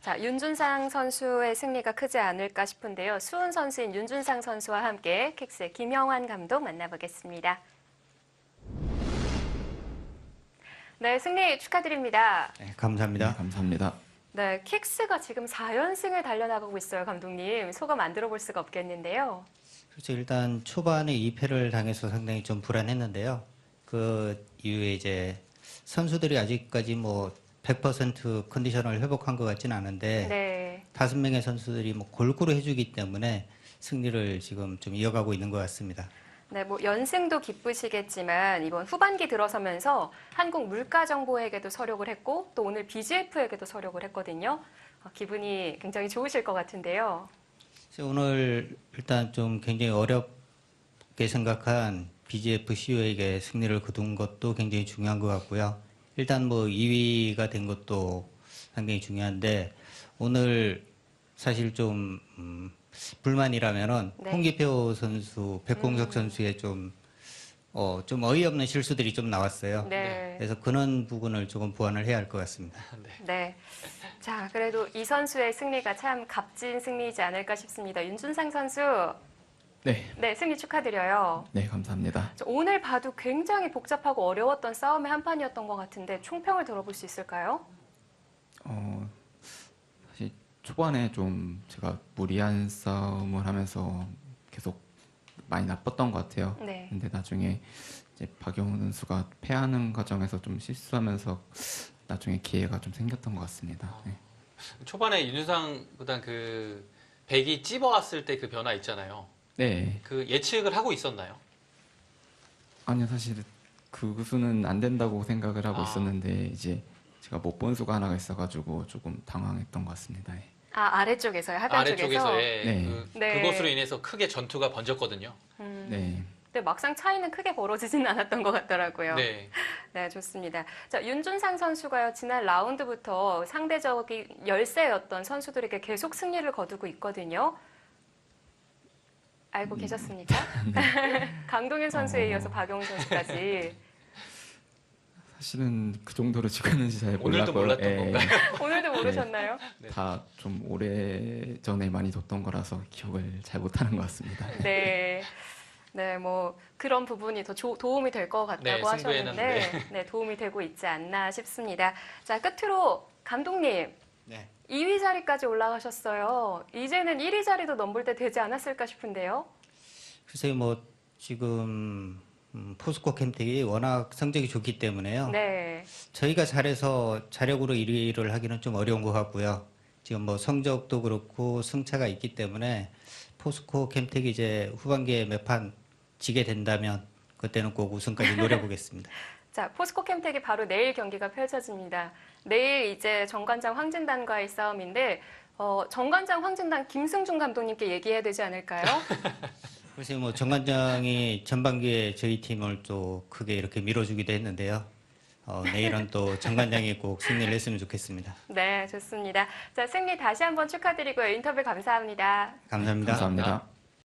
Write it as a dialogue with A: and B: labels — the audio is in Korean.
A: 자, 윤준상 선수의 승리가 크지 않을까 싶은데요. 수훈 선수인 윤준상 선수와 함께 킥스의 김영환 감독 만나보겠습니다. 네, 승리 축하드립니다.
B: 네, 감사합니다.
C: 네, 감사합니다.
A: 네, 킥스가 지금 4연승을 달려나가고 있어요, 감독님. 소감 안 들어볼 수가 없겠는데요.
B: 그렇죠. 일단 초반에 2패를 당해서 상당히 좀 불안했는데요. 그 이후에 이제 선수들이 아직까지 뭐 100% 컨디션을 회복한 것 같지는 않은데
A: 네.
B: 5명의 선수들이 뭐 골고루 해주기 때문에 승리를 지금 좀 이어가고 있는 것 같습니다.
A: 네, 뭐 연승도 기쁘시겠지만 이번 후반기 들어서면서 한국물가정보에게도 서력을 했고 또 오늘 BGF에게도 서력을 했거든요. 기분이 굉장히 좋으실 것 같은데요.
B: 그래서 오늘 일단 좀 굉장히 어렵게 생각한 BGF CEO에게 승리를 거둔 것도 굉장히 중요한 것 같고요. 일단 뭐 2위가 된 것도 상당히 중요한데 오늘 사실 좀 불만이라면은
A: 네.
B: 홍기표 선수, 백공석 선수의 좀 어이없는 실수들이 좀 나왔어요.
A: 네.
B: 그래서 그런 부분을 조금 보완을 해야 할 것 같습니다.
A: 네. 자, 그래도 이 선수의 승리가 참 값진 승리이지 않을까 싶습니다. 윤준상 선수,
C: 네,
A: 네, 승리 축하드려요.
C: 네, 감사합니다.
A: 오늘 봐도 굉장히 복잡하고 어려웠던 싸움의 한 판이었던 것 같은데 총평을 들어볼 수 있을까요?
C: 사실 초반에 좀 제가 무리한 싸움을 하면서 계속 많이 나빴던 것 같아요.
A: 네.
C: 근데 나중에 이제 박용훈 선수가 패하는 과정에서 좀 실수하면서 나중에 기회가 좀 생겼던 것 같습니다. 네.
D: 초반에 윤유상보단 그 백이 찝어왔을 때 그 변화 있잖아요.
C: 네,
D: 그 예측을 하고 있었나요?
C: 아니요, 사실 그 수는 안 된다고 생각을 하고
D: 아.
C: 있었는데 이제 제가 못 본 수가 하나가 있어가지고 조금 당황했던 것 같습니다. 네.
A: 아, 아래쪽에서요? 하단 쪽에서?
D: 아래쪽에서의
C: 네.
A: 네.
D: 그것으로 인해서 크게 전투가 번졌거든요.
C: 네.
A: 근데 막상 차이는 크게 벌어지진 않았던 것 같더라고요.
D: 네.
A: 네, 좋습니다. 자, 윤준상 선수가요, 지난 라운드부터 상대적인 열세였던 선수들에게 계속 승리를 거두고 있거든요. 알고 계셨습니까? 강동현 선수에 이어서 박용훈 선수까지.
C: 사실은 그 정도로 찍었는지 잘
D: 오늘도
C: 몰랐고요.
D: 몰랐던
C: 예.
D: 건가요?
A: 오늘도 모르셨나요?
D: 네.
C: 다 좀 오래 전에 많이 뒀던 거라서 기억을 잘 못하는 것 같습니다.
A: 네. 네, 뭐 그런 부분이 더 도움이 될 것 같다고
D: 네, 승부에는
A: 하셨는데 네, 도움이 되고 있지 않나 싶습니다. 자, 끝으로 감독님,
B: 네.
A: 2위 자리까지 올라가셨어요. 이제는 1위 자리도 넘볼 때 되지 않았을까 싶은데요.
B: 글쎄요, 뭐 지금 포스코 캠텍이 워낙 성적이 좋기 때문에요.
A: 네.
B: 저희가 잘해서 자력으로 1위를 하기는 좀 어려운 것 같고요. 지금 뭐 성적도 그렇고 승차가 있기 때문에 포스코 캠텍이 이제 후반기에 몇 판 지게 된다면 그때는 꼭 우승까지 노려보겠습니다.
A: 자, 포스코 캠텍이 바로 내일 경기가 펼쳐집니다. 내일 이제 정관장 황진단과의 싸움인데 정관장 황진단 김승중 감독님께 얘기해야 되지 않을까요?
B: 글쎄요, 뭐 정관장이 전반기에 저희 팀을 또 크게 이렇게 밀어주기도 했는데요. 내일은 또 정관장이 꼭 승리를 했으면 좋겠습니다.
A: 네, 좋습니다. 자, 승리 다시 한번 축하드리고요. 인터뷰 감사합니다.
B: 감사합니다.
C: 감사합니다.